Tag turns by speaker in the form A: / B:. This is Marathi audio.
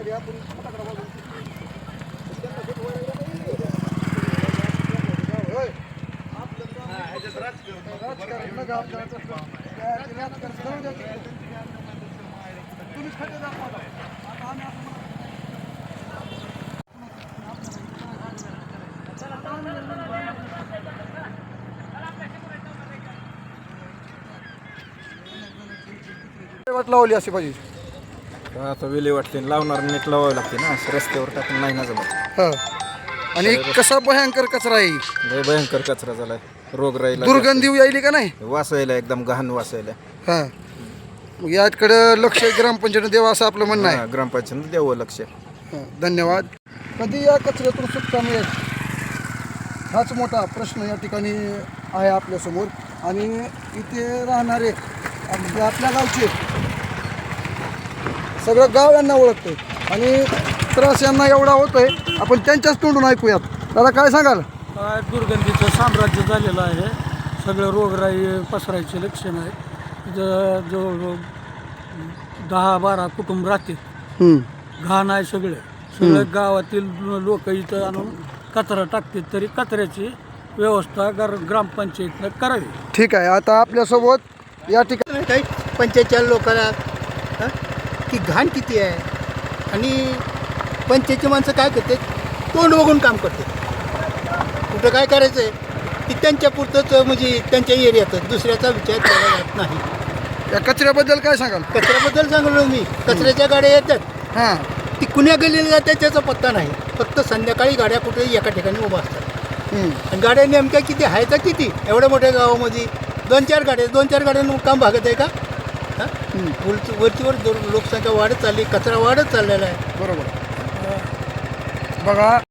A: वाट लावली अशी पाहिजे.
B: आता वेली वाटते लावणार नीट लावावी लागते ना, रस्त्यावर टाकून नाही ना जमत.
A: हा. आणि कसा भयंकर कचरा आहे,
B: लय भयंकर कचरा झालाय, रोग राहिला,
A: दुर्गंधी यायली का नाही.
B: वासायला एकदम घाण वासायला.
A: हा, मग याकडं लक्ष ग्रामपंचायत द्यावं असं आपलं म्हणणं आहे.
B: ग्रामपंचायत द्यावं लक्ष.
A: धन्यवाद. कधी या कचऱ्यातून सुटका मिळेल हाच मोठा प्रश्न या ठिकाणी आहे आपल्यासमोर. आणि इथे राहणारे आपल्या गावचे सगळं गाव यांना ओळखते आणि त्रास यांना एवढा होतोय. आपण त्यांच्याच तोंडून ऐकूयात. दादा काय सांगाल?
C: काय दुर्गंधीचं साम्राज्य झालेलं आहे, सगळं रोगराई पसरायचे लक्षण आहे. इथं जो 10-12 कुटुंब राहते, घाण आहे सगळं गावातील लोक इथं आणून कचरा टाकतात. तरी कचऱ्याची व्यवस्था ग्रामपंचायतीनं करावी.
A: ठीक आहे. आता आपल्यासोबत या ठिकाणी
D: काही पंचायतच्या लोकांना की घाण किती आहे. आणि पंचायतची माणसं काय करते, तोंड बघून काम करते. कुठं काय करायचं आहे की त्यांच्या पुरतंच, म्हणजे त्यांच्या एरियातच, दुसऱ्याचा विचार केला जात नाही.
A: या कचऱ्याबद्दल काय सांगाल?
D: कचऱ्याबद्दल सांगलो मी. कचऱ्याच्या गाड्या येतात,
A: हां,
D: ती कुण्या गल्लीला जातात त्याचा पत्ता नाही. फक्त संध्याकाळी गाड्या कुठे एका ठिकाणी उभा असतात. आणि गाड्या नेमक्या किती आहेत तर किती, एवढ्या मोठ्या गावामध्ये 2-4 गाड्यांना काम भागत आहे का? वरचीवर लोकसंख्या वाढत चालली, कचरा वाढत चाललेला आहे.
A: बरोबर. बघा